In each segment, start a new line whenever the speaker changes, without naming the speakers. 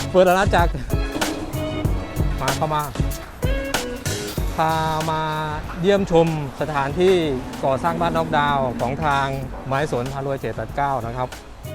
เปิดอาณาจักรเข้ามาพามาเยี่ยมชมสถานที่ก่อสร้างบ้านน็อกดาวน์ของทางไม้สนพารวย789นะครับ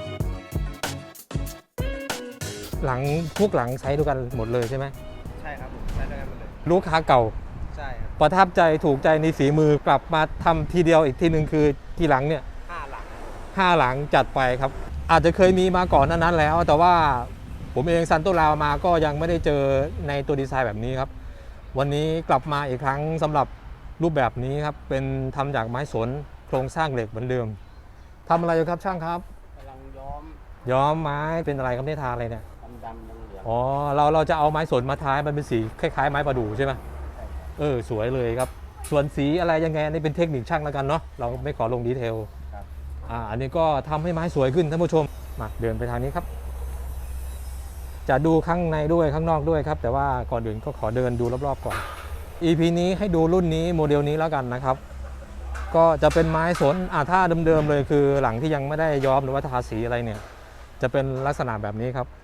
หลังทุกหลังใช้ด้วยกันหมดเลยใช่ไหม
ใช่ครับผมใช้ด้วยกันหมดเลย
ลูกค้าเก่า
ใช่ครับ
ประทับใจถูกใจในฝีมือกลับมาทำทีเดียวอีกทีหนึ่งคือกี่หลังเนี่ย
5 หลัง
5 หลังจัดไปครับอาจจะเคยมีมาก่อนนั้นแล้วแต่ว่าผมเองซันโตราวมาก็ยังไม่ได้เจอในตัวดีไซน์แบบนี้ครับวันนี้กลับมาอีกครั้งสำหรับรูปแบบนี้ครับเป็นทำจากไม้สนโครงสร้างเหล็กเหมือนเดิมทำอะไรอยู่ครับช่างครับ
กำลัง
ย้อมไม้เป็นอะไรครับเนี่ยทาอะไรเนี่ย
ดำเหลือง
อ๋อเราจะเอาไม้สนมาทามันเป็นสีคล้ายๆไม้ประดู่ใช่ไหมสวยเลยครับส่วนสีอะไรยังไงนี่เป็นเทคนิคช่างแล้วกันเนาะเราไม่ขอลงดีเทลอันนี้ก็ทำให้ไม้สวยขึ้นท่านผู้ชมมาเดินไปทางนี้ครับจะดูข้างในด้วยข้างนอกด้วยครับแต่ว่าก่อนอื่นก็ขอเดินดูรอบๆก่อน EP นี้ให้ดูรุ่นนี้โมเดลนี้แล้วกันนะครับก็จะเป็นไม้สนถ้าเดิมๆเลยคือหลังที่ยังไม่ได้ย้อมหรือว่าทาสีอะไรเนี่ยจะเป็นลักษณะแบบนี้ครับ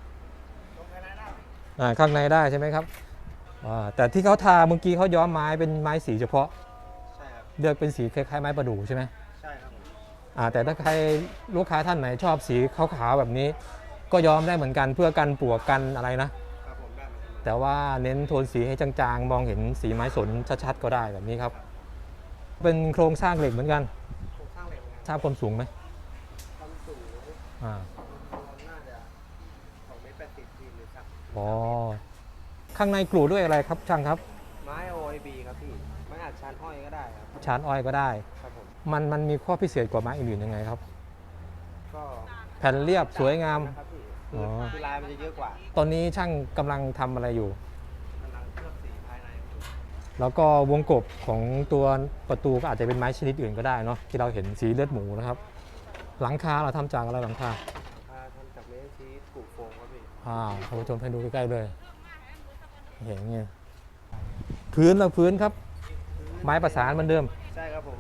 ข้างในได้ใช่ไหมครับแต่ที่เขาทาเมื่อกี้เขาย้อมไม้เป็นไม้สีเฉพาะ
ใช่ครับ
เลือกเป็นสีคล้ายๆไม้ประดู่ใช่ไหม
ใช่ครับ
แต่ถ้าใครลูกค้าท่านไหนชอบสีขาวๆแบบนี้ก็ย้อมได้เหมือนกันเพื่อกันปลวกกันอะไรนะครับ
ผมได้
แต่ว่าเน้นโทนสีให้จางๆมองเห็นสีไม้สนชัดๆก็ได้แบบนี้ครับเป็นโครงสร้างเหล็กเหมือนกัน
โครงสร้างเหล็ก
ทราบความสูงไหม
ความสูงน่าจะ2.80 เมตรหรือสัก
ข้างในกลูด้วยอะไรครับช่างครับ
ไม้ OIB ครับพี่ไม้อัดชานอ้อยก็ได้ครับ
ชานอ้อยก็ได้
ครับผม
มันมีข้อพิเศษกว่าไม้อื่นๆยังไงครับ
ก็
แผ่นเรียบสวยงาม
คือลายมันจะเยอะกว่า
ตอนนี้ช่างกำลังทำอะไรอยู่
กำลังเคลือบสีภายใน
แล้วก็วงกบของตัวประตูก็อาจจะเป็นไม้ชนิดอื่นก็ได้เนาะที่เราเห็นสีเลือดหมูนะครับหลังคาเราทำจากอะไรหลังคา
ทำจากเมทัลชีสปลูกโฟมครับพี่
ท่านผู้ชมให้ดูใกล้ๆเลยเห็นไงพื้นครับไม้ประสานเหมือนเดิม
ใช่ครับผม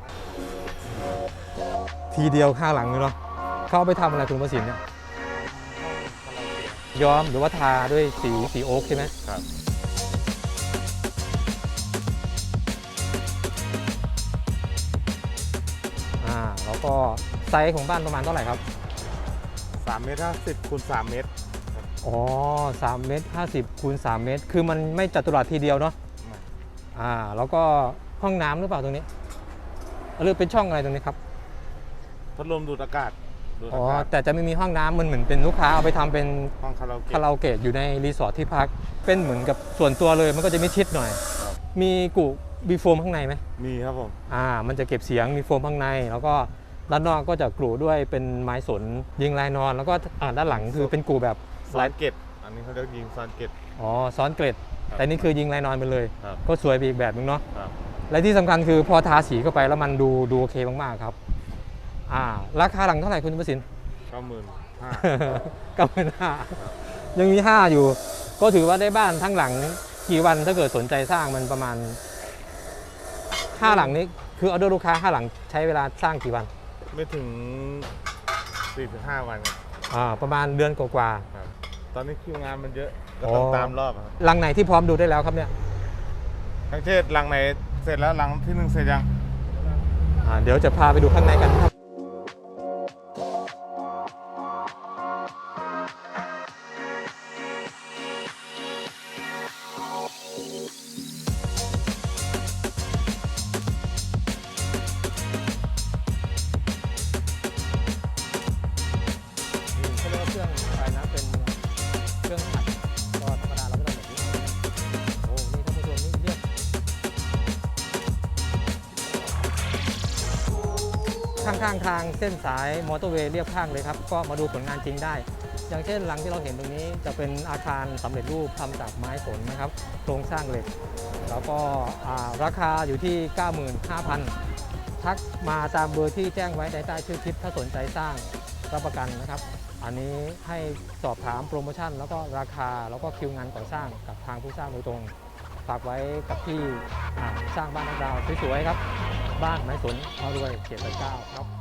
ทีเดียว5 หลังเลยเนาะเขาไปทำอะไรคุณประสิทธิ์เนี่ยย้อมหรือว่าทาด้วยสีโอ๊กใช่ไหม
ครับ
แล้วก็ไซส์ของบ้านประมาณเท่าไหร่ครับ
3.50 เมตรคูณ3 เมตร
3.50 เมตรคูณ3 เมตรคือมันไม่จัตุรัสทีเดียวเนาะแล้วก็ห้องน้ำหรือเปล่าตรงนี้หรือเป็นช่องอะไรตรงนี้ครับ
พัดลมดูดอากาศ
แต่จะไม่มีห้องน้ำมันเหมือนเป็นลูกค้าเอาไปทำเป็น
ห้องคา
ราโอเกะอยู่ในรีสอร์ทที่พักเป็นเหมือนกับส่วนตัวเลยมันก็จะไม่ชิดหน่อยมีกุบีโฟมข้างในไหม
มีครับผม
มันจะเก็บเสียงมีโฟมข้างในแล้วก็ด้านนอกก็จะกรูด้วยเป็นไม้สนยิงลายนอนแล้วก็ด้านหลังคือเป็นกรูแบบ
ซ้อนเกล็ดอันนี้เขาเรียกยิงซ้อนเกล็ด
ซ้อนเกล็ดแต่นี่คือยิงลายนอนไปเลยก็สวยไปอีกแบบนึงเนาะและที่สำคัญคือพอทาสีเข้าไปแล้วมันดูโอเคมากๆครับราคาหลังเท่าไหร่คุณประสิทธิ์95,000ยังมี5อยู่ก็ถือว่าได้บ้านทั้งหลังกี่วันถ้าเกิดสนใจสร้างมันประมาณ5 หลังนี้คือเอาด้วยลูกค้า5 หลังใช้เวลาสร้างกี่วัน
ไม่ถึง 4-5 วันครับ
ประมาณเดือนกว่า
ตอนนี้คิวงานมันเยอะก็ต้องตามรอบครับ
หลังไหนที่พร้อมดูได้แล้วครับเนี่ย
ทั้งเทศหลังไหนเสร็จแล้วหลังที่1เสร็จยัง
เดี๋ยวจะพาไปดูข้างในกันครับข้างทางเส้นสายมอเตอร์เวย์เรียบข้างเลยครับก็มาดูผลงานจริงได้อย่างเช่นหลังที่เราเห็นตรงนี้จะเป็นอาคารสำเร็จรูปทำจากไม้สนนะครับโครงสร้างเหล็กแล้วก็ราคาอยู่ที่ 95,000 ทักมาตามเบอร์ที่แจ้งไว้ในใต้ชื่อคลิปถ้าสนใจสร้างรับประกันนะครับอันนี้ให้สอบถามโปรโมชั่นแล้วก็ราคาแล้วก็คิวงานก่อสร้างกับทางผู้สร้างโดยตรงฝากไว้กับที่สร้างบ้านน็อกดาวน์สวยๆครับบ้านไม้สนพารวย789ครับ